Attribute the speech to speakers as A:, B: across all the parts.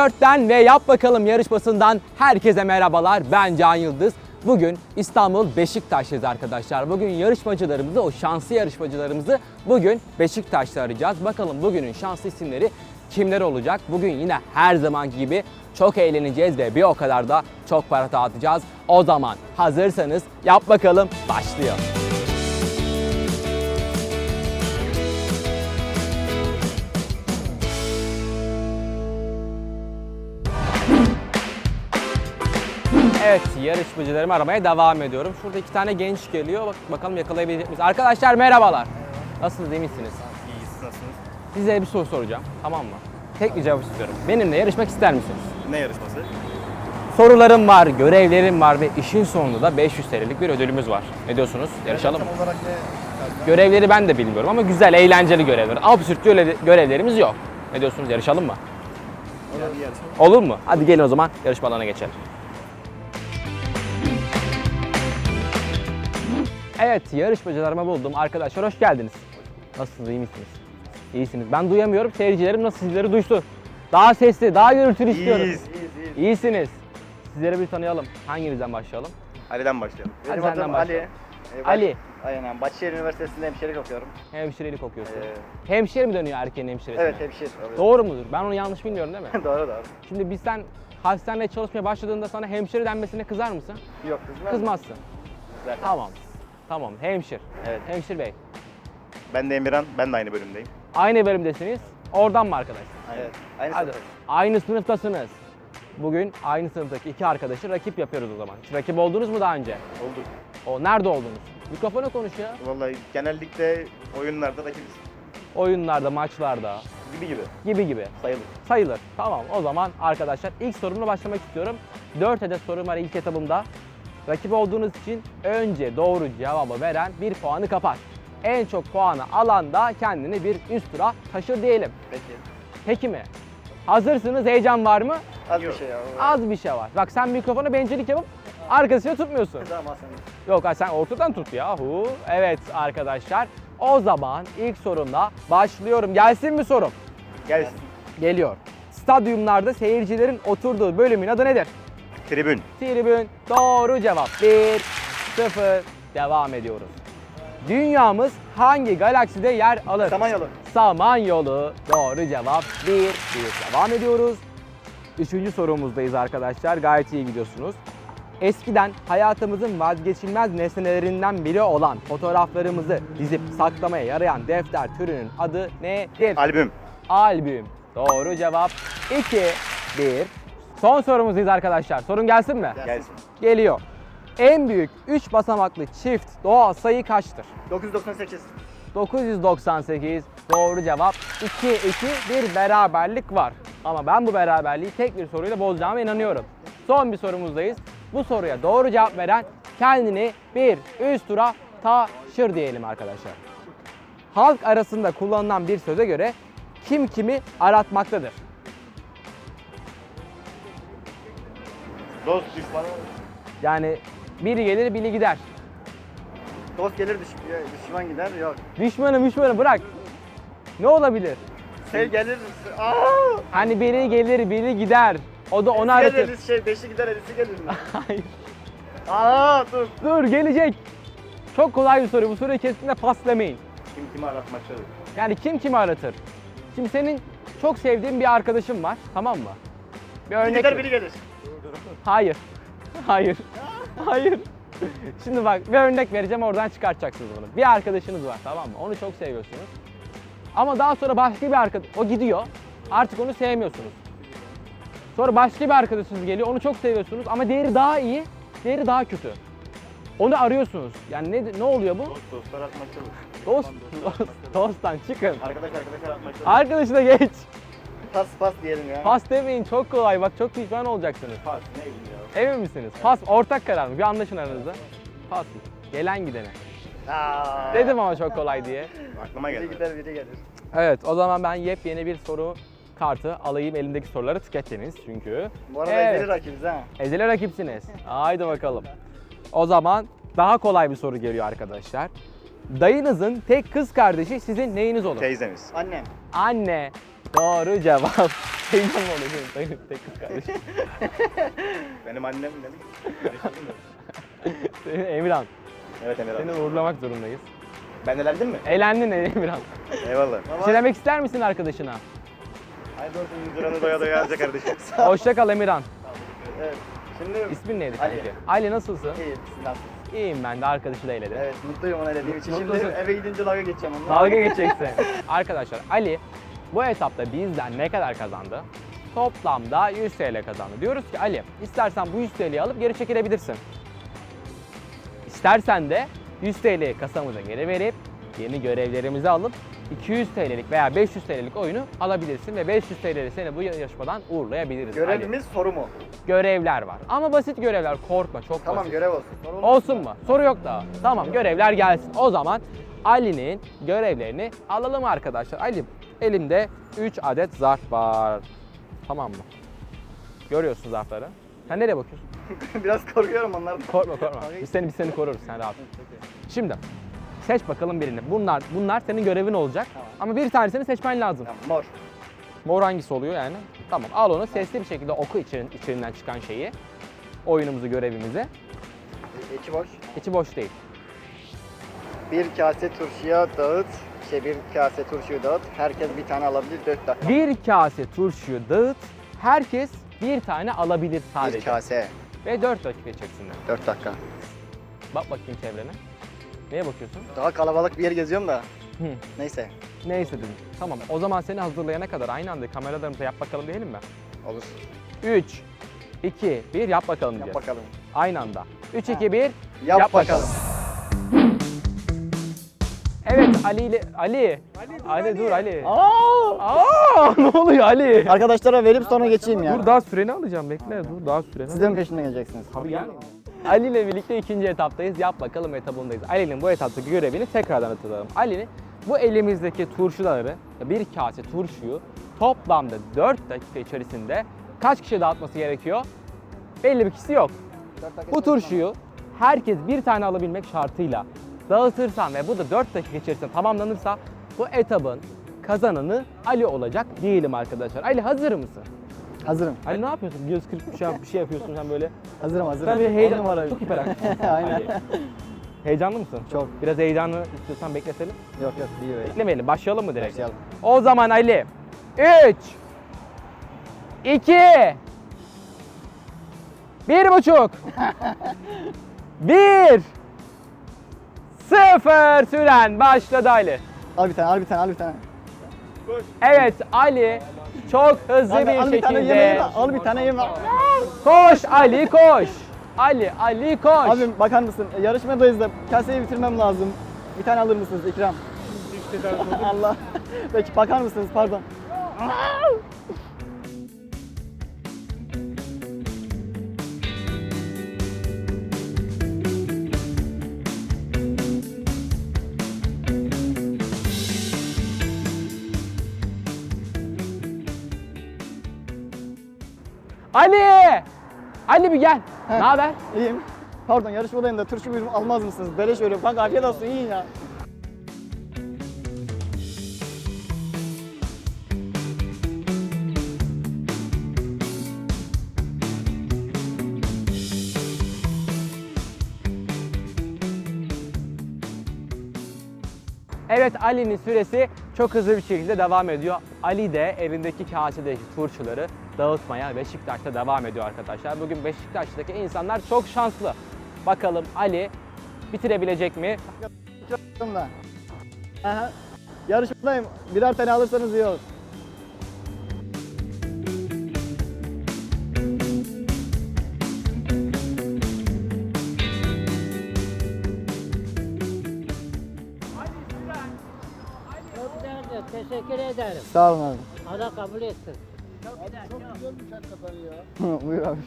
A: 4'ten ve Yap Bakalım yarışmasından herkese merhabalar. Ben Can Yıldız. Bugün İstanbul Beşiktaş'tayız arkadaşlar. Bugün yarışmacılarımızı, o şanslı yarışmacılarımızı bugün Beşiktaş'ta arayacağız. Bakalım bugünün şanslı isimleri kimler olacak? Bugün yine her zamanki gibi çok eğleneceğiz ve bir o kadar da çok para dağıtacağız. O zaman hazırsanız Yap Bakalım başlıyor. Evet, yarışmacılarımı aramaya devam ediyorum. Şurada iki tane genç geliyor. Bakalım yakalayabilecek miyiz? Arkadaşlar merhabalar. Nasılsınız, iyi misiniz?
B: İyiyiz, nasılsınız?
A: Size bir soru soracağım, tamam mı? Tek bir cevap istiyorum. Benimle yarışmak ister misiniz?
B: Ne yarışması?
A: Sorularım var, görevlerim var ve işin sonunda da 500 TL'lik bir ödülümüz var. Ne diyorsunuz? Yarışalım mı?
B: Tam olarak ne?
A: Görevleri ben de bilmiyorum ama güzel, eğlenceli görevler. Absürt görevlerimiz yok. Ne diyorsunuz? Yarışalım mı?
B: Olur bir yarışma.
A: Olur mu? Hadi gelin o zaman yarışma alanına geçelim. Evet, yarışmacılarımı buldum. Arkadaşlar hoş geldiniz. Nasılsınız, iyi misiniz? İyisiniz. Ben duyamıyorum. Seyircilerim nasıl sizleri duysun? Daha sesli, daha gürültülü istiyorum.
B: İyiyiz.
A: İyisiniz. Sizleri bir tanıyalım. Hanginizden başlayalım?
B: Ali'den başlayalım.
A: Hadi
C: Benim
A: senden
C: adım
A: başlayalım.
C: Ali.
A: Ali.
C: Aynen. Bahçeşehir Üniversitesi'nde hemşirelik okuyorum.
A: Hemşirelik okuyorsun.
C: Ee,
A: Hemşire mi dönüyor erkeğin hemşiresine?
C: evet hemşire.
A: Doğru mudur? Ben onu yanlış bilmiyorum değil mi?
C: doğru doğru.
A: Şimdi sen hastanede çalışmaya başladığında sana hemşire denmesine kızar mısın?
C: Yok kızmaz.
A: Kızmazsın.
C: Zaten.
A: Tamam. Tamam, hemşir.
C: Evet.
A: Hemşir bey.
B: Ben de Emirhan, ben de aynı bölümdeyim.
A: Aynı bölümdesiniz. Oradan mı arkadaş?
C: Evet. Aynı
A: Hadi.
C: sınıf.
A: Aynı sınıftasınız. Bugün aynı sınıftaki iki arkadaşı rakip yapıyoruz o zaman. Hiç rakip oldunuz mu daha önce?
B: Oldu.
A: O nerede oldunuz? Mikrofona konuş ya.
B: Vallahi genellikle oyunlarda rakibiz.
A: Oyunlarda, maçlarda
B: Gibi.
A: gibi.
B: Sayılır.
A: Sayılır. Tamam, o zaman arkadaşlar ilk sorumla başlamak istiyorum. 4 adet sorum var ilk etapımda. Rakip olduğunuz için önce doğru cevabı veren bir puanı kapar. En çok puanı alan da kendini bir üst tura taşır diyelim.
C: Peki.
A: Peki mi? Hazırsınız, heyecan var mı?
C: Az
B: Yok.
C: bir şey ya.
A: Az bir şey var. Bak sen mikrofonu bencillik yapıp arkasına tutmuyorsun.
C: Tamam sen.
A: Yok sen ortadan tut yahu. Evet arkadaşlar. O zaman ilk sorumla başlıyorum. Gelsin mi sorum?
B: Gelsin.
A: Geliyor. Stadyumlarda seyircilerin oturduğu bölümün adı nedir?
B: Tribün.
A: Tribün. Doğru cevap. 1-0. Devam ediyoruz. Dünyamız hangi galakside yer alır?
C: Samanyolu.
A: Samanyolu. Doğru cevap. 1-1. Devam ediyoruz. Üçüncü sorumuzdayız arkadaşlar. Gayet iyi gidiyorsunuz. Eskiden hayatımızın vazgeçilmez nesnelerinden biri olan fotoğraflarımızı dizip saklamaya yarayan defter türünün adı nedir?
B: Albüm.
A: Albüm. Doğru cevap. 2-1. Son sorumuzdayız arkadaşlar. Sorun gelsin mi?
B: Gelsin.
A: Geliyor. En büyük 3 basamaklı çift doğal sayı kaçtır?
C: 998.
A: 998. Doğru cevap. 2-2 bir beraberlik var. Ama ben bu beraberliği tek bir soruyla bozacağıma inanıyorum. Son bir sorumuzdayız. Bu soruya doğru cevap veren kendini bir üst tura taşır diyelim arkadaşlar. Halk arasında kullanılan bir söze göre kim kimi aratmaktadır?
B: Dost düşmanı.
A: Yani biri gelir biri gider.
C: Dost gelir düşman gider. Yok.
A: Düşmanı bırak. Ne olabilir?
C: Gelir. Aa!
A: Hani biri gelir biri gider. O da onu aratır.
C: Gelir beşi gider elisi gelir mi?
A: Hayır.
C: Aa dur.
A: Dur gelecek. Çok kolay bir soru. Bu soruyu kesinlikle pas demeyin.
B: Kim kimi aratmaktadır?
A: Yani kim kimi aratır? Şimdi senin çok sevdiğin bir arkadaşın var, tamam mı? Bir
C: Biri
A: örnek
C: gider
A: ver.
C: biri gelir.
A: Hayır. Hayır. Hayır. Şimdi bak bir örnek vereceğim, oradan çıkartacaksınız bunu. Bir arkadaşınız var, tamam mı? Onu çok seviyorsunuz. Ama daha sonra başka bir arkadaş, o gidiyor. Artık onu sevmiyorsunuz. Sonra başka bir arkadaşınız geliyor, onu çok seviyorsunuz ama değeri daha iyi, değeri daha kötü. Onu arıyorsunuz. Yani ne oluyor bu?
B: Dostlar aratmaktadır.
A: Dosttan çıkın.
B: Arkadaş aratmaktadır.
A: Arkadaşına geç.
C: Pas diyelim ya.
A: Pas demeyin, çok kolay. Bak çok pişman olacaksınız.
B: Pas ne bileyim ya.
A: Emin misiniz? Pas ortak karar mı? Bir anlaşın aranızda. Pas. Gelen gidene.
C: Aa.
A: Dedim ama çok kolay diye.
B: Aklıma
C: Biri
B: geldi.
C: gider biri gelir.
A: Evet, o zaman ben yepyeni bir soru kartı alayım. Elimdeki soruları tüketiniz çünkü.
C: Bu arada
A: Evet.
C: ezeli rakibiz ha.
A: Ezeli rakipsiniz. Haydi bakalım. O zaman daha kolay bir soru geliyor arkadaşlar. Dayınızın tek kız kardeşi sizin neyiniz olur?
B: Teyzemiz.
C: Annem.
A: Anne. Doğru cevap. Heyecan mı oluyor senin tek kız kardeşim?
B: Benim annem dedim.
A: Senin Emirhan.
B: Evet Emir abi.
A: Seni uğurlamak zorundayız.
B: Ben elendin mi?
A: Eğlendin Emirhan.
B: Eyvallah.
A: Bir şey demek ister misin arkadaşına?
B: Haydi olsun duranı doya doya alacak kardeşim.
A: Hoşça kal Emirhan.
C: Evet. Şimdi
A: İsmin neydi
C: Ali.
A: kanki? Ali nasılsın?
C: iyi, siz nasılsınız?
A: İyiyim ben de, arkadaşı da eğledim.
C: Evet, mutluyum ona dediğim için.
A: Mutlusun.
C: Şimdi eve gidince dalga geçeceğim onunla.
A: Dalga geçeceksin. Arkadaşlar Ali bu etapta bizden ne kadar kazandı? Toplamda 100 TL kazandı. Diyoruz ki Ali, istersen bu 100 TL'yi alıp geri çekilebilirsin. İstersen de 100 TL'yi kasamıza geri verip yeni görevlerimizi alıp 200 TL'lik veya 500 TL'lik oyunu alabilirsin ve 500 TL'li seni bu yarışmadan uğurlayabiliriz. Ali.
C: Görevimiz soru mu?
A: Görevler var ama basit görevler, korkma, çok
C: Tamam,
A: basit.
C: görev olsun. Soru
A: Olsun mu? Soru yok daha. Tamam, görevler gelsin. O zaman Ali'nin görevlerini alalım arkadaşlar. Ali, elimde 3 adet zarf var. Tamam mı? Görüyorsun zarfları. Sen nereye bakıyorsun?
C: Biraz korkuyorum onlardan.
A: Korkma. Biz seni koruruz, sen rahat ol. Şimdi seç bakalım birini. Bunlar senin görevin olacak.
C: Tamam.
A: Ama bir tanesini seçmen lazım.
C: Tamam, mor.
A: Mor hangisi oluyor yani? Tamam, al onu sesli bir şekilde oku içerinden çıkan şeyi. Oyunumuzu, görevimizi.
C: İçi boş.
A: İçi boş değil.
C: Bir kase turşuya dağıt. Bir kase turşuyu dağıt. Herkes bir tane alabilir 4 dakika.
A: Bir kase turşuyu dağıt. Herkes bir tane alabilir sadece.
C: Bir kase.
A: Ve 4 dakika içerisinde.
C: 4 dakika.
A: Bak bakayım çevrene. Neye bakıyorsun?
C: Daha kalabalık bir yer geziyorum da.
A: Hı.
C: Neyse.
A: Neyse dedim. Tamam, o zaman seni hazırlayana kadar aynı anda kameralarımıza yap bakalım diyelim mi?
C: Olur.
A: 3, 2, 1 yap bakalım
C: Yap
A: diyeceğiz.
C: bakalım.
A: Aynı anda. 3, 2, 1
C: Yap bakalım.
A: Evet, Ali dur Ali.
C: Aa!
A: Ne oluyor Ali?
C: Arkadaşlara verip sonra geçeyim ya.
A: Dur daha süreni alacağım, bekle. Dur daha süreni.
C: Siz de mi peşimden geleceksiniz?
A: Abi gel. Ali ile birlikte ikinci etaptayız. Yap bakalım etabındayız. Ali'nin bu etaptaki görevini tekrardan hatırlayalım. Ali'nin bu elimizdeki turşuları, bir kase turşuyu toplamda 4 dakika içerisinde kaç kişi dağıtması gerekiyor? Belli bir kişi yok. Bu turşuyu herkes bir tane alabilmek şartıyla dağıtırsan ve bu da 4 dakika içerisinde tamamlanırsa bu etabın kazananı Ali olacak diyelim arkadaşlar. Ali hazır mısın?
C: Hazırım.
A: Ali ne yapıyorsun? Göz kırpmış bir şey yapıyorsun sen böyle.
C: Hazırım.
A: Sen bir heyecan
C: var.
A: Çok hiperaktif.
C: Aynen.
A: Ali. Heyecanlı mısın?
C: Çok.
A: Biraz heyecanlı istiyorsan bekletelim.
C: Yok iyi böyle.
A: Beklemeyelim. Başlayalım mı direkt?
C: Başlayalım.
A: O zaman Ali 3 2 1,5 1 0 süren başladı Ali.
C: Al bir tane.
A: Evet Ali çok hızlı
C: Al
A: bir
C: bir tane
A: şekilde.
C: yemeği al bir tane yeme.
A: Koş Ali koş. Ali koş.
C: Abim bakar mısın? Yarışmadayız da kaseyi bitirmem lazım. Bir tane alır mısınız ikram? Allah. Peki bakar mısınız? Pardon.
A: Ali bir gel. Ne haber?
C: İyiyim. Pardon yarışmadayım da turşu buyurun almaz mısınız? Beleş veriyorum. Bak afiyet olsun yiyin ya.
A: Evet Ali'nin süresi çok hızlı bir şekilde devam ediyor. Ali de elindeki kasedeki turşuları dağıtmaya Beşiktaş'ta devam ediyor arkadaşlar. Bugün Beşiktaş'taki insanlar çok şanslı. Bakalım Ali bitirebilecek mi?
C: Da. Aha. Yarışmadayım. Birer tane alırsanız iyi olur.
D: Çok güzeldi. Teşekkür ederim.
C: Sağ olun abi.
D: Allah kabul etsin.
C: Buyur abi.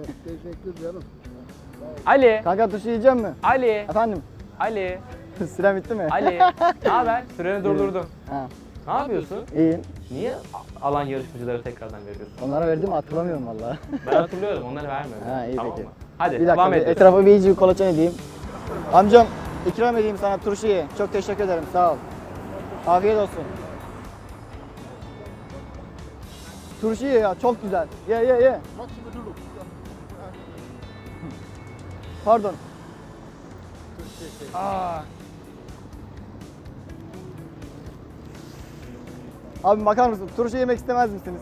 A: Ali,
C: Kanka turşu yiyecek mi?
A: Ali,
C: Efendim?
A: Ali,
C: Süren bitti mi?
A: Ali. Ne haber? Süreni durdurdum.
C: Ha.
A: Ne yapıyorsun?
C: İyiyim.
A: Niye alan yarışmacıları tekrardan veriyorsun?
C: Onlara verdim hatırlamıyorum valla.
A: Ben hatırlıyorum, onları vermiyorum.
C: Ha, iyi
A: tamam
C: peki.
A: mı? Hadi
C: Bir
A: devam
C: dakika bir
A: edelim.
C: etrafa bir iyice kolaçan edeyim. Amcam ikram edeyim sana turşu ye. Çok teşekkür ederim sağ ol. Afiyet olsun. Turşu ye ya, çok güzel. Ye. Pardon. Aa. Abi bakar mısın? Turşu yemek istemez misiniz?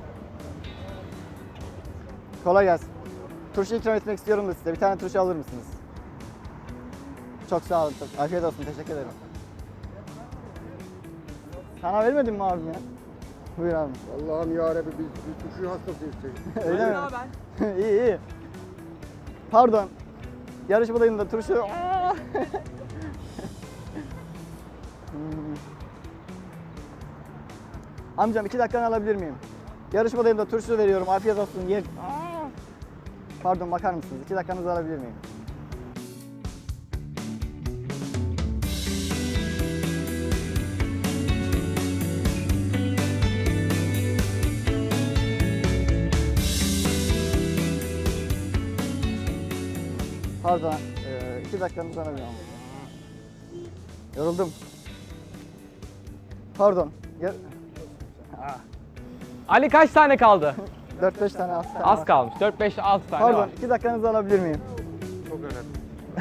C: Kolay gelsin. Turşu ikram etmek istiyorum da size. Bir tane turşu alır mısınız? Çok sağ olun. Çok. Afiyet olsun. Teşekkür ederim. Sana vermedim mi abim ya? Buyur abi.
E: Allah'ım yarabbim biz turşu hastasıyız.
C: Öyle mi? İyi. Pardon. Yarışmadayım da turşu... Amcam 2 dakikanı alabilir miyim? Yarışmadayım da turşu veriyorum. Afiyet olsun. Ye. Pardon bakar mısınız? 2 dakikanızı alabilir miyim? Pardon, 2 dakikanızı alabilir miyim? Yoruldum. Pardon.
A: Ali kaç tane kaldı?
C: 4-5 tane az kaldı.
A: Az kalmış. 4, 5, 6 tane
C: Pardon,
A: var.
C: 2 dakikanızı alabilir miyim?
E: Çok önemli.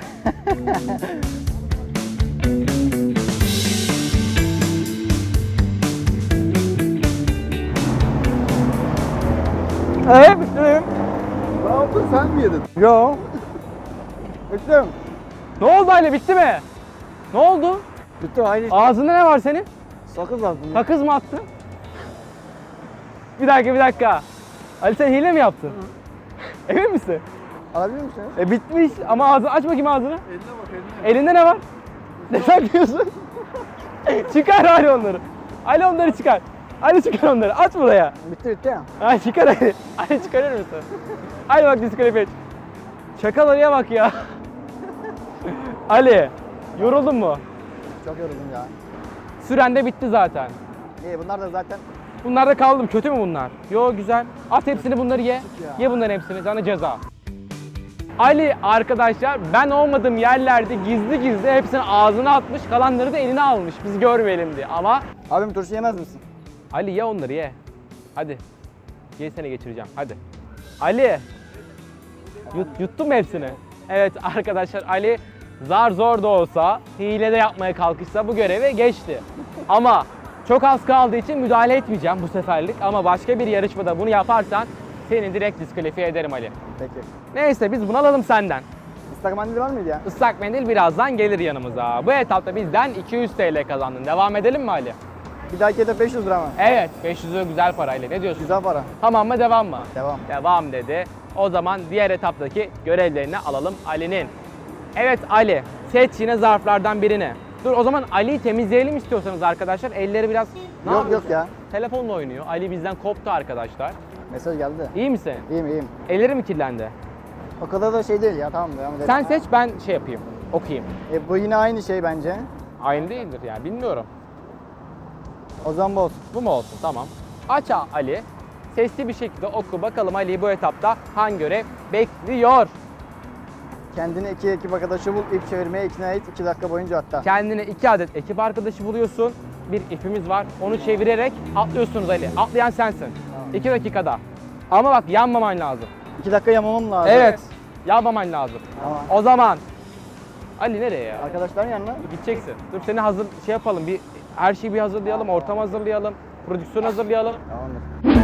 C: Evet, bittim.
E: Ne yaptın sen mi yedin?
C: Yo. Bittim.
A: Ne oldu Ali, bitti mi? Ne oldu?
C: Bitti, hayır.
A: Ağzında ne var senin?
C: Sakız aldım.
A: Sakız mı attın? Bir dakika. Ali sen hile mi yaptın? Emin misin?
C: Alabilir misiniz?
A: Bitmiş ama ağzını aç bakayım ağzını.
E: Eline bak eline.
A: Elinde ne var? Ne saklıyorsun? Çıkar Ali onları. Ali onları çıkar. Ali çıkar onları. Aç buraya.
C: Bitti ya.
A: Ali çıkar Ali. Ali çıkarır mısın? Hadi bak diskalifiye. Çakal Ali'ye bak ya. Ali, yoruldun mu?
C: Çok yoruldum ya.
A: Süren de bitti zaten.
C: İyi, bunlar da zaten
A: Bunlar da kaldım. Kötü mü bunlar? Yo güzel. At hepsini, bunları ye.
C: ya.
A: Ye bunların hepsini. Sana ceza. Ali arkadaşlar ben olmadığım yerlerde gizli hepsini ağzına atmış, kalanları da eline almış. Biz görmeyelim diye. Ama
C: Abim turşu yemez misin?
A: Ali ye onları ye. Hadi. Ye, seni geçireceğim. Hadi. Ali. Yuttun mu hepsini? Evet arkadaşlar, Ali zar zor da olsa, hile de yapmaya kalkışsa bu görevi geçti. Ama çok az kaldığı için müdahale etmeyeceğim bu seferlik. Ama başka bir yarışmada bunu yaparsan seni direkt diskalifiye ederim Ali.
C: Peki.
A: Neyse biz bunu alalım senden.
C: Islak mendil var mıydı ya?
A: Islak mendil birazdan gelir yanımıza. Bu etapta bizden 200 TL kazandın. Devam edelim mi Ali?
C: Bir dahaki hedef 500 lira mı?
A: Evet, 500'ü güzel parayla. Ne diyorsun?
C: Güzel para.
A: Tamam mı, devam mı?
C: Devam.
A: Devam dedi. O zaman diğer etaptaki görevlerini alalım Ali'nin. Evet Ali, seç yine zarflardan birini. Dur o zaman Ali'yi temizleyelim istiyorsanız arkadaşlar. Elleri biraz...
C: Yok ya.
A: Telefonla oynuyor. Ali bizden koptu arkadaşlar.
C: Mesaj geldi.
A: İyi misin?
C: İyiyim.
A: Elleri mi kirlendi?
C: O kadar da şey değil ya, tamam devam edelim.
A: Sen seç, ben şey yapayım, okuyayım.
C: Bu yine aynı şey bence.
A: Aynı değildir yani, bilmiyorum.
C: O zaman bu olsun.
A: Bu mu olsun? Tamam. Aç Ali. Sesli bir şekilde oku. Bakalım Ali'yi bu etapta hangi görev bekliyor?
C: Kendine 2 ekip arkadaşı bul, ip çevirmeye ikna et 2 dakika boyunca hatta.
A: Kendine 2 adet ekip arkadaşı buluyorsun. Bir ipimiz var. Onu çevirerek atlıyorsunuz Ali. Atlayan sensin.
C: Tamam.
A: 2 dakikada. Ama bak yanmaman lazım.
C: 2 dakika yamamam lazım.
A: Evet. Yanmaman lazım.
C: Tamam.
A: O zaman Ali nereye ya?
C: Arkadaşların yanına.
A: Gideceksin. Dur seni hazır şey yapalım. Bir her şeyi bir hazırlayalım. Ortam hazırlayalım. Prodüksiyon hazırlayalım.
C: Tamamdır.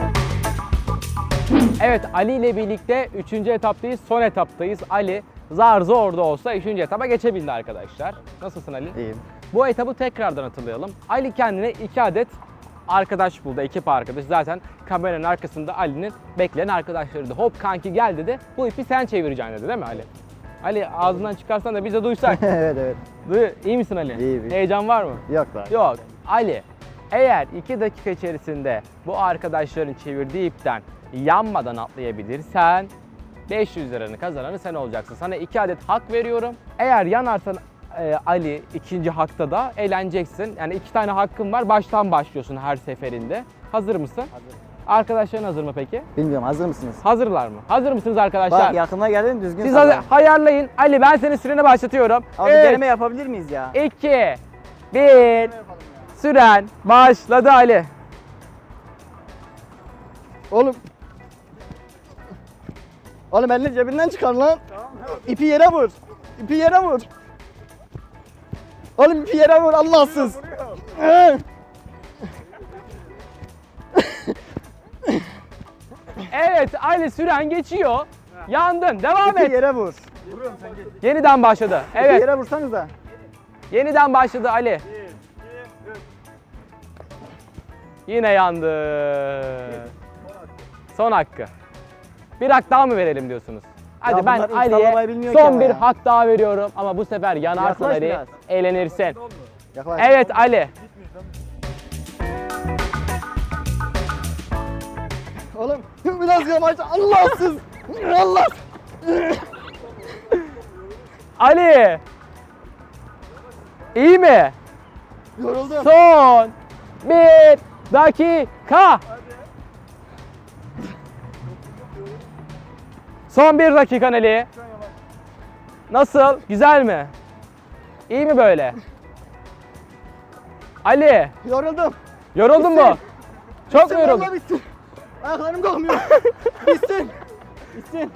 A: Evet, Ali ile birlikte 3. etaptayız, son etaptayız. Ali zar zor da olsa 3. etaba geçebildi arkadaşlar. Nasılsın Ali?
C: İyiyim.
A: Bu etabı tekrardan hatırlayalım. Ali kendine 2 adet arkadaş buldu, ekip arkadaş. Zaten kameranın arkasında Ali'nin bekleyen arkadaşlarıydı. Hop kanki gel dedi, bu ipi sen çevireceksin dedi değil mi Ali? Ali ağzından çıkarsan da biz de duysak.
C: evet.
A: İyi misin Ali?
C: İyiyim.
A: Heyecan var mı?
C: Yok lan.
A: Yok. Ali, eğer 2 dakika içerisinde bu arkadaşların çevirdiği ipten yanmadan atlayabilirsen 500 liranın kazananı sen olacaksın. Sana 2 adet hak veriyorum. Eğer yanarsan Ali ikinci hakta da eğleneceksin. Yani 2 tane hakkın var. Baştan başlıyorsun her seferinde. Hazır mısın?
C: Hazırım.
A: Arkadaşların hazır mı peki?
C: Bilmiyorum, hazır mısınız?
A: Hazırlar mı? Hazır mısınız arkadaşlar?
C: Bak yakına geldin, düzgün
A: Siz
C: sallayın.
A: ayarlayın. Ali ben senin süreni başlatıyorum.
C: Abi deneme yapabilir miyiz ya?
A: 2, 1, süren başladı Ali.
C: Oğlum. Oğlum elini cebinden çıkar lan. İpi yere vur. İpi yere vur. Oğlum ipi yere vur Allahsız.
A: Evet Ali, süren geçiyor. Yandın. Devam
C: İpi
A: et.
C: yere vur.
A: Yeniden başladı.
C: İpi
A: Evet.
C: yere vursanız da.
A: Yeniden başladı Ali. Yine yandı. Son hakkı. Bir hak daha mı verelim diyorsunuz? Hadi
C: Ya
A: ben
C: bunlar insan
A: Ali'ye
C: olmayı bilmiyor ki
A: son
C: ama
A: bir
C: ya.
A: hak daha veriyorum ama bu sefer yanarsın
C: Yaklaş
A: Ali,
C: biraz.
A: eğlenirsin.
C: Yaklaş.
A: Evet Ali.
C: Oğlum biraz yavaş Allahsız. Allah.
A: Ali. İyi mi?
C: Yoruldum.
A: Son bir dakika. Son bir dakika Ali. Nasıl? Güzel mi? İyi mi böyle? Ali,
C: Yoruldum.
A: yoruldun mu? Çok mu
C: Bitsin,
A: yoruldun?
C: vallahi bitsin. Ayaklarım kalkmıyor. Bitsin. Bitsin.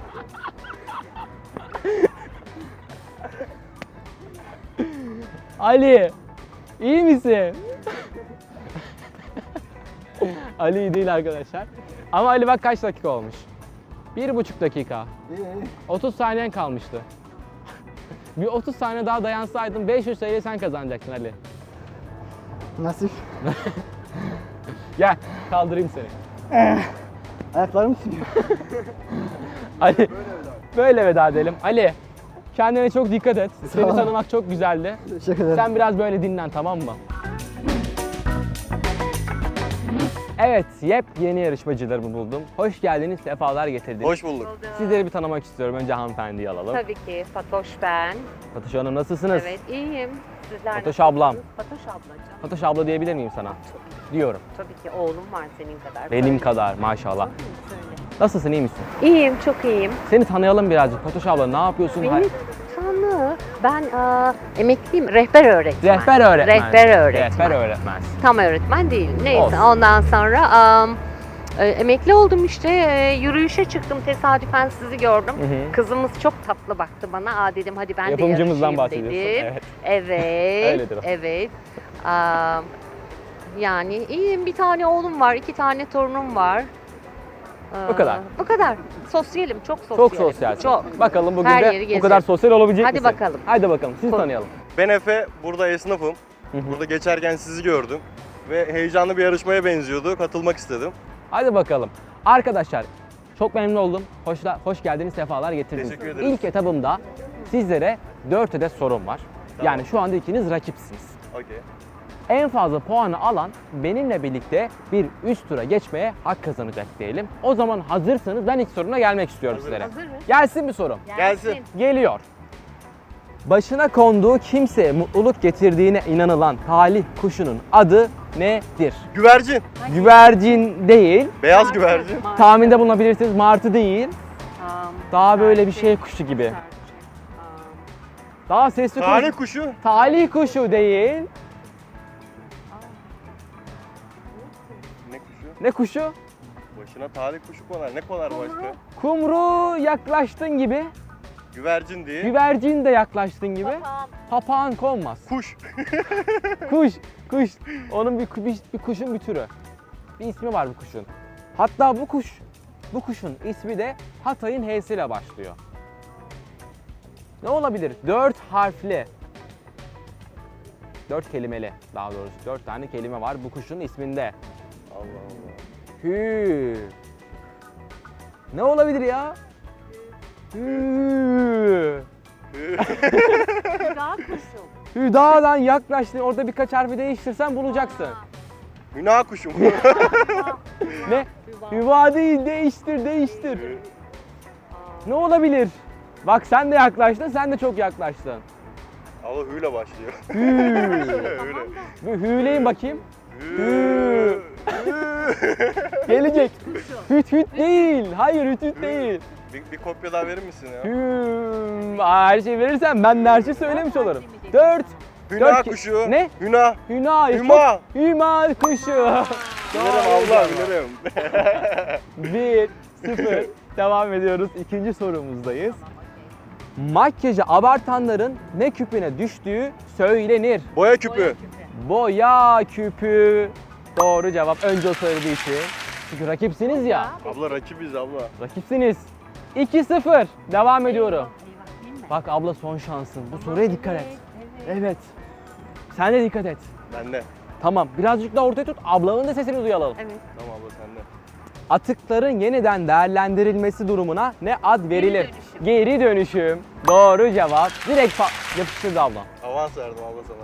A: Ali, iyi misin? Ali iyi değil arkadaşlar. Ama Ali bak kaç dakika olmuş. 1,5 dakika.
C: İyi iyi.
A: 30 saniyen kalmıştı. Bir 30 saniye daha dayansaydın 500 TL sen kazanacaksın Ali.
C: Nasip.
A: Gel kaldırayım seni.
C: Ayaklarım sürüyor.
A: Ali böyle veda edelim. Ali kendine çok dikkat et. Seni
C: Tamam.
A: tanımak çok güzeldi.
C: Teşekkür ederim.
A: Sen biraz böyle dinlen, tamam mı? Evet, yepyeni yarışmacılarımı buldum. Hoş geldiniz, sefalar getirdiniz.
B: Hoş bulduk.
A: Sizleri bir tanımak istiyorum. Önce hanımefendiyi alalım.
F: Tabii ki. Fatoş ben.
A: Fatoş Hanım nasılsınız?
F: Evet, iyiyim. Sizler
A: Fatoş
F: nasılsınız?
A: ablam.
F: Fatoş ablacığım.
A: Fatoş abla diyebilir miyim sana? Diyorum.
F: Tabii ki oğlum var senin kadar.
A: Benim
F: Söyle.
A: kadar maşallah.
F: Söyle.
A: Nasılsın, iyi misin?
F: İyiyim, çok iyiyim.
A: Seni tanıyalım birazcık. Fatoş abla ne yapıyorsun?
F: Beni tanı. Ben emekliyim. Rehber öğretmen.
A: Rehber öğretmen.
F: Rehber öğretmen.
A: Rehber öğretmen.
F: Tam öğretmen değil. Neyse
A: Olsun.
F: ondan sonra emekli oldum işte. Yürüyüşe çıktım. Tesadüfen sizi gördüm.
A: Hı hı.
F: Kızımız çok tatlı baktı bana. Dedim hadi ben de
A: Yapımcımızdan
F: yarışayım
A: bahsediyorsun,
F: dedi.
A: evet.
F: Evet.
A: Öyledir o.
F: Evet. Yani iyiyim. Bir tane oğlum var. 2 tane torunum var.
A: Bu kadar.
F: Bu kadar. Sosyalim. Çok
A: Çok
F: sosyalim.
A: sosyalsin.
F: Çok.
A: Bakalım bugün
F: Her
A: de
F: yeri
A: bu
F: gezerim.
A: kadar sosyal olabilecek
F: Hadi
A: misin?
F: bakalım.
A: Hadi bakalım. Sizi
F: Ko-
A: tanıyalım.
B: Ben Efe, burada esnafım.
A: Hı hı.
B: Burada geçerken sizi gördüm. Ve heyecanlı bir yarışmaya benziyordu. Katılmak istedim.
A: Hadi bakalım. Arkadaşlar çok memnun oldum. Hoş geldiniz, sefalar getirdiniz.
B: Teşekkür ederiz.
A: İlk etabımda sizlere 4 adet sorum var.
B: Tamam.
A: Yani şu anda ikiniz rakipsiniz.
B: Okey.
A: En fazla puanı alan benimle birlikte bir üst tura geçmeye hak kazanacak diyelim. O zaman hazırsanız ben ilk soruna gelmek istiyorum
B: Hazırım.
A: sizlere.
F: Hazır mı?
A: Gelsin bir sorum.
B: Gelsin.
A: Geliyor. Başına konduğu kimseye mutluluk getirdiğine inanılan talih kuşunun adı nedir?
B: Güvercin.
A: Güvercin değil.
B: Beyaz güvercin.
A: Tahminde bulunabilirsiniz. Martı değil.
F: Tamam.
A: Daha böyle bir şey kuşu gibi. Daha sesli
B: Talih
A: kuş.
B: kuşu.
A: Talih kuşu değil.
B: Ne kuşu?
A: Ne kuşu?
B: Başına talih kuşu konar. Ne konar başka?
A: Kumru yaklaştın gibi.
B: Güvercin değil.
A: Güvercin de yaklaştın gibi. Papağan konmaz.
B: Kuş.
A: Kuş. Onun bir kuşun bir türü. Bir ismi var bu kuşun. Hatta bu kuşun ismi de Hatay'ın H'siyle başlıyor. Ne olabilir? 4 harfli. 4 kelimeli daha doğrusu. 4 tane kelime var bu kuşun isminde.
B: Allah Allah.
A: Hü. Ne olabilir ya? Hü.
F: Daha kuşum.
A: Hüda'dan yaklaştın. Orada birkaç harfi değiştirsen bulacaksın.
B: Hüna kuşu mu?
A: Ne? Hüva değil, değiştir. Ne olabilir? Bak sen de yaklaştın, sen de çok yaklaştın.
B: Allah hüyle başlıyor.
A: Hü.
B: Öyle.
A: Bir hüleyin bakayım.
B: Hü.
A: Gelecek. Hüt değil. Hayır hüt değil.
B: Bir kopya daha verir misin ya?
A: Her şeyi verirsen ben de her şeyi söylemiş olurum. 4.
B: Hüna kuşu.
A: Ne?
B: Hüna.
A: Hüna.
B: Hüma.
A: Hüma kuşu.
B: Bilirim abla, bilirim.
A: 1-0. Devam ediyoruz. İkinci sorumuzdayız. Makyajı abartanların ne küpüne düştüğü söylenir.
B: Boya küpü.
A: Boya küpü. Doğru cevap. Önce o söylediği için. Çünkü rakipsiniz ya.
B: Abla rakibiz abla.
A: Rakipsiniz. 2-0. Devam ediyorum. Bak abla son şansın. Bu soruya dikkat et. Evet. Sen de dikkat et.
B: Ben de.
A: Tamam. Birazcık daha ortaya tut. Ablanın da sesini duyalım.
F: Evet.
B: Tamam abla sen de.
A: Atıkların yeniden değerlendirilmesi durumuna ne ad verilir? Geri dönüşüm. Doğru cevap. Direkt yapıştırdı ablam.
B: Avans verdim abla sana.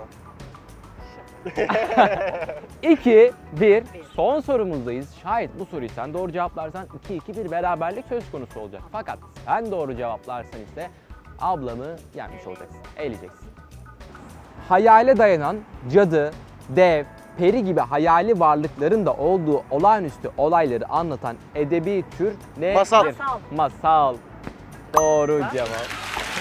A: 2-1. Son sorumuzdayız. Şayet bu soruyu sen doğru cevaplarsan 2-2 bir beraberlik söz konusu olacak. Fakat sen doğru cevaplarsan ise ablamı yenmiş olacaksın. Eğileceksin. Hayale dayanan cadı, dev, peri gibi hayali varlıkların da olduğu olağanüstü olayları anlatan edebi tür nedir?
B: Masal.
A: Masal. Doğru cevap.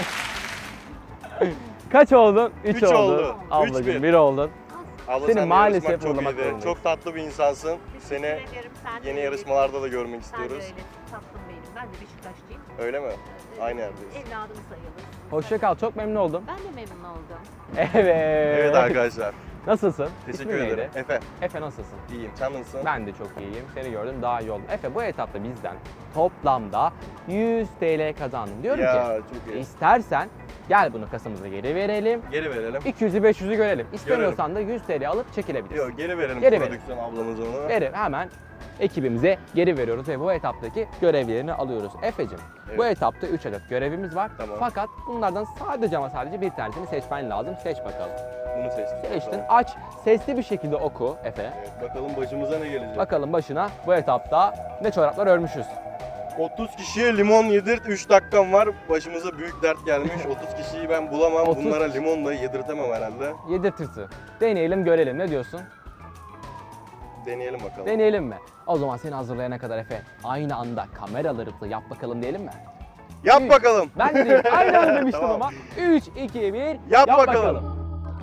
A: Kaç oldun? 3
B: Üç
A: oldun.
B: oldu.
A: Ablacığım
B: 3-1.
A: 1 oldun.
B: Abla
A: Seni
B: sen
A: maalesef
B: yarışmak çok
A: uğurlamak
B: iyiydi.
A: zorundayız.
B: Çok tatlı bir insansın. Seni
F: Teşekkür ederim. Sen de
B: yeni
F: öyle.
B: yarışmalarda da görmek
F: Sen de
B: istiyoruz.
F: öyle. Tatlım benim. Ben de Beşiktaşlıyım.
B: Öyle mi? Aynı yerdeyiz.
F: Evladım sayılır.
A: Hoşça kal. Çok memnun oldum.
F: Ben de memnun oldum.
A: Evet.
B: Evet arkadaşlar.
A: Nasılsın?
B: Teşekkür
A: İsmin
B: ederim.
A: neydi?
B: Efe.
A: Efe nasılsın?
B: İyiyim. Sen nasılsın?
A: Ben de çok iyiyim. Seni gördüm daha iyi oldum. Efe bu etapta bizden toplamda 100 TL kazandın. Diyorum
B: Ya
A: ki
B: çok iyi.
A: istersen gel bunu kasamıza geri verelim.
B: Geri verelim.
A: 200'ü 500'ü görelim. İstemiyorsan da 100 TL alıp çekilebilirsin.
B: Yok geri verelim
A: Geri verelim.
B: prodüksiyon ablamız onu.
A: Verir hemen ekibimize geri veriyoruz ve bu etaptaki görevlerini alıyoruz. Efe'cim bu
B: Evet.
A: etapta 3 adet görevimiz var.
B: Tamam.
A: Fakat bunlardan sadece ama sadece bir tanesini seçmen lazım. Seç bakalım.
B: Bunu seçtim.
A: Seçtin.
B: Tamam.
A: Aç. Sesli bir şekilde oku Efe.
B: Evet, bakalım başımıza ne gelecek.
A: Bakalım başına bu etapta ne çoraplar örmüşüz.
B: 30 kişiye limon yedirt, 3 dakikam var. Başımıza büyük dert gelmiş. 30 kişiyi ben bulamam.
A: 30
B: Bunlara limon da yedirtemem herhalde.
A: Yedirtirsin. Deneyelim görelim. Ne diyorsun?
B: Deneyelim bakalım.
A: Deneyelim mi? O zaman seni hazırlayana kadar Efe aynı anda kameralarımızla yap bakalım diyelim mi?
B: Yap bakalım.
A: Ben de değil. Aynı anda demiştim
B: Tamam.
A: ama. 3, 2, 1.
B: Yap bakalım.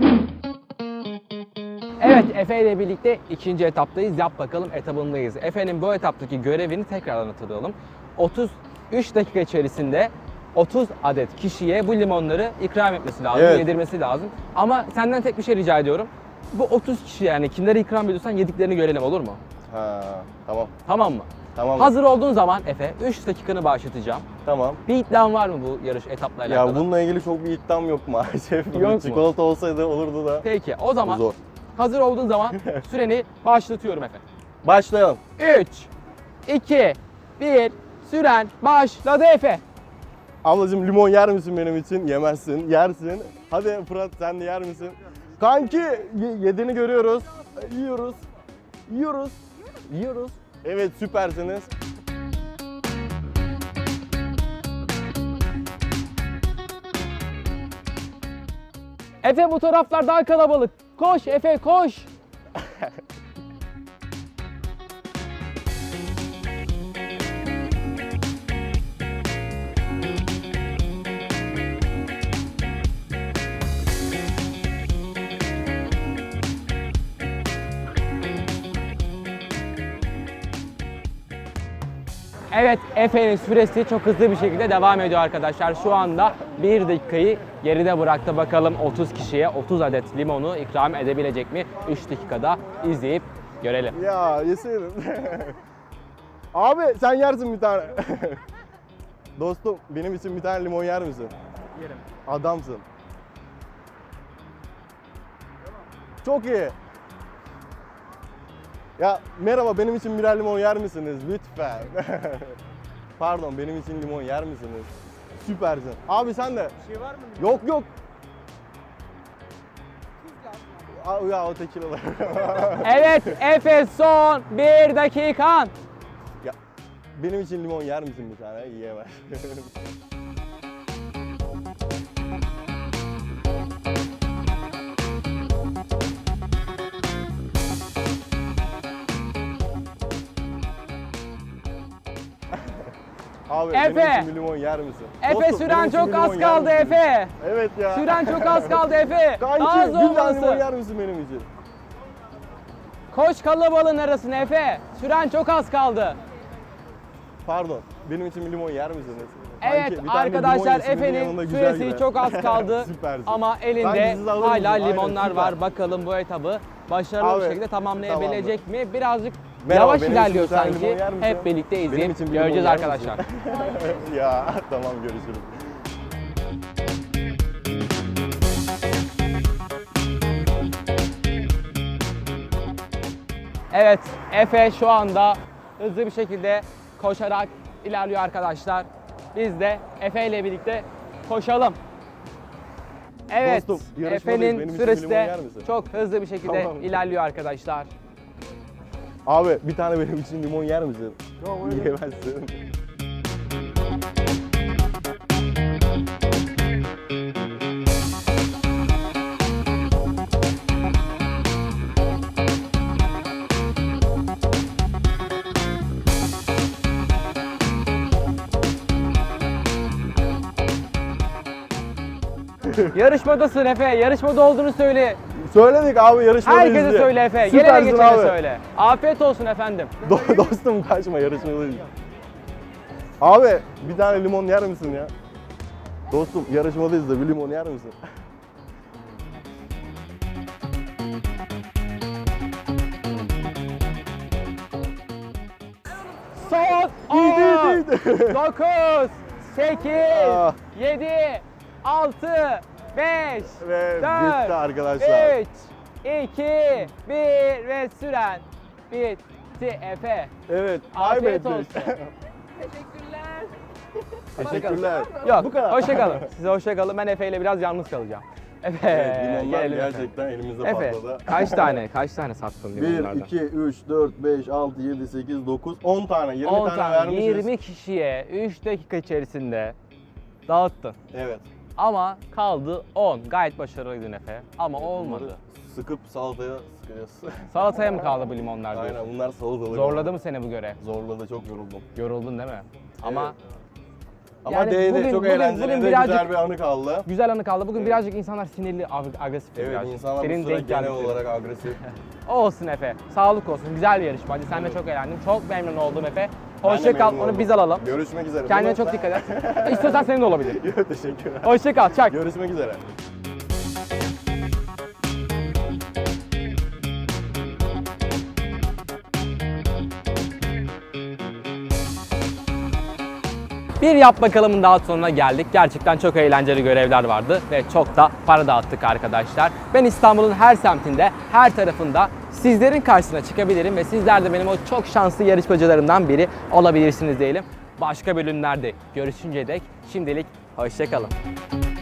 A: Evet Efe ile birlikte ikinci etaptayız. Yap bakalım etabındayız. Efe'nin bu etaptaki görevini tekrardan hatırlayalım. 33 dakika içerisinde 30 adet kişiye bu limonları ikram etmesi lazım,
B: Evet.
A: yedirmesi lazım. Ama senden tek bir şey rica ediyorum. Bu 30 kişi yani kimlere ikram ediyorsan yediklerini görelim olur mu?
B: Ha, tamam.
A: Tamam mı?
B: Tamam.
A: Hazır olduğun zaman Efe 3 dakikanı başlatacağım.
B: Tamam.
A: Bir iddian var mı bu yarış etapla alakalı?
B: Ya bununla ilgili çok bir iddiam yok maalesef.
A: Yok mu?
B: Çikolata olsaydı olurdu da.
A: Peki o zaman
B: Zor.
A: hazır olduğun zaman süreni başlatıyorum Efe.
B: Başlayalım.
A: 3, 2, 1, süren başladı Efe.
B: Ablacığım limon yer misin benim için? Yemezsin. Yersin. Hadi Fırat sen de yer misin? Kanki yediğini görüyoruz. Yiyoruz. Yiyoruz. Yiyoruz. Evet süpersiniz.
A: Efe bu taraflar daha kalabalık. Koş Efe koş. Evet, Efe'nin süresi çok hızlı bir şekilde devam ediyor arkadaşlar. Şu anda 1 dakikayı geride bıraktı. Bakalım 30 kişiye 30 adet limonu ikram edebilecek mi? 3 dakikada izleyip görelim.
B: Ya yeseydin. Abi sen yersin bir tane. Dostum benim için bir tane limon yer misin?
C: Yerim.
B: Adamsın. Çok iyi. Ya merhaba benim için birer limon yer misiniz lütfen? Pardon benim için limon yer misiniz? Süpersin. Abi sen de.
C: Bir şey var mı?
B: Yok yok. Ya o tekilalar.
A: Evet, Efe son 1 dakikan.
B: Ya benim için limon yer misin bir tane? Yiyemez. Abi
A: Efe!
B: benim için bir limon yer misin?
A: Efe
B: Dostum,
A: süren
B: benim için
A: çok
B: bir limon
A: az
B: yer
A: kaldı
B: misin?
A: Efe.
B: Evet ya.
A: Süren çok az kaldı Efe.
B: Kanki
A: Daha
B: bir tane limon
A: zorlasın.
B: yer misin benim için?
A: Koş kalabalığın arasına Efe. Süren çok az kaldı.
B: Pardon. Benim için bir limon yer misiniz?
A: Evet
B: Kanki, bir tane limon
A: arkadaşlar
B: yesin, benim
A: Efe'nin
B: yanımda güzel
A: süresi
B: gider.
A: çok az kaldı.
B: Süpersin.
A: Ama
B: Ben
A: elinde
B: sizi alır
A: hala
B: mısın? Aynen,
A: limonlar
B: süper.
A: var. Bakalım bu etabı başarılı
B: Abi,
A: bir şekilde tamamlayabilecek mi? Birazcık
B: Merhaba,
A: yavaş
B: benim
A: ilerliyor
B: için bir tane
A: sanki.
B: limon yer misin?
A: Hep birlikte
B: Benim
A: izleyip
B: için bir limon
A: göreceğiz
B: yer
A: arkadaşlar.
B: misin? Ya tamam, görüşürüz.
A: Evet, Efe şu anda hızlı bir şekilde koşarak ilerliyor arkadaşlar. Biz de Efe ile birlikte koşalım. Evet,
B: Dostum, yarışmadayız. Benim
A: Efe'nin
B: için
A: süresi
B: bir limon
A: de
B: yer misin?
A: çok hızlı bir şekilde
B: Tamam.
A: ilerliyor arkadaşlar.
B: Abi bir tane benim için limon yer misin? Yok, yiyemezsin.
A: Yarışmadasın Efe, yarışmada olduğunu söyle.
B: Söyledik abi, yarışmadayız
A: Herkese
B: diye.
A: söyle Efe, gelene
B: Süpersin
A: geçene
B: abi.
A: söyle. Afiyet olsun efendim.
B: Dostum kaçma, yarışmadayız. Abi bir tane limon yer misin ya? Dostum yarışmadayız da bir limon yer misin?
A: Son 10, 9, 8,
B: Ah.
A: 7, 6, 5,
B: Ve
A: 4,
B: bitti arkadaşlar.
A: 3, 2, 1 ve süren bitti Efe.
B: Evet,
A: Afiyet
B: kaybettik.
A: olsun.
B: Teşekkürler.
A: Yok,
B: Bu kadar.
A: hoşça kalın. Size hoşça kalın. Ben Efe ile biraz yalnız kalacağım. Efe,
B: Evet, limonlar
A: gelelim
B: gerçekten elimizde
A: Efe,
B: patladı.
A: kaç tane sattın
B: 1,
A: limonlardan?
B: 2, 3, 4, 5, 6, 7, 8, 9, 10 tane. 20
A: 10
B: tane
A: tane,
B: vermişiz.
A: 20 kişiye 3 dakika içerisinde dağıttın.
B: Evet.
A: Ama kaldı 10. Gayet başarılıydın Efe. Ama olmadı.
B: Bunları sıkıp salataya sıkacağız.
A: Salataya mı kaldı bu limonlar diyorsun?
B: Aynen, bunlar salatalık.
A: Zorladı mı seni bu görev?
B: Zorladı, çok yoruldum.
A: Yoruldun değil mi? Ama
B: Ama
A: Yani
B: değdi,
A: bugün-
B: çok
A: bugün-
B: eğlenceli
A: bugün
B: de
A: birazcık-
B: güzel bir anı kaldı.
A: güzel anı kaldı. Bugün
B: Evet.
A: birazcık insanlar sinirli, agresif.
B: Evet,
A: birazcık.
B: insanlar
A: Senin
B: bu sıra
A: denk
B: genel
A: geldikleri.
B: olarak agresif.
A: Olsun Efe. Sağlık olsun. Güzel bir yarışma. Hadi sen de çok eğlendim. Çok memnun oldum Efe.
B: Ben de
A: Hoşça kal.
B: memnun
A: Onu
B: oldum.
A: biz alalım.
B: Görüşmek üzere.
A: Kendine çok dikkat et. İstiyorsan senin de olabilir.
B: Yok, teşekkürler.
A: Hoşça kal. Çak.
B: Görüşmek üzere.
A: Bir yap bakalımın daha sonuna geldik. Gerçekten çok eğlenceli görevler vardı ve çok da para dağıttık arkadaşlar. Ben İstanbul'un her semtinde, her tarafında sizlerin karşısına çıkabilirim ve sizler de benim o çok şanslı yarışmacılarımdan biri olabilirsiniz diyelim. Başka bölümlerde görüşünceye dek şimdilik hoşça kalın.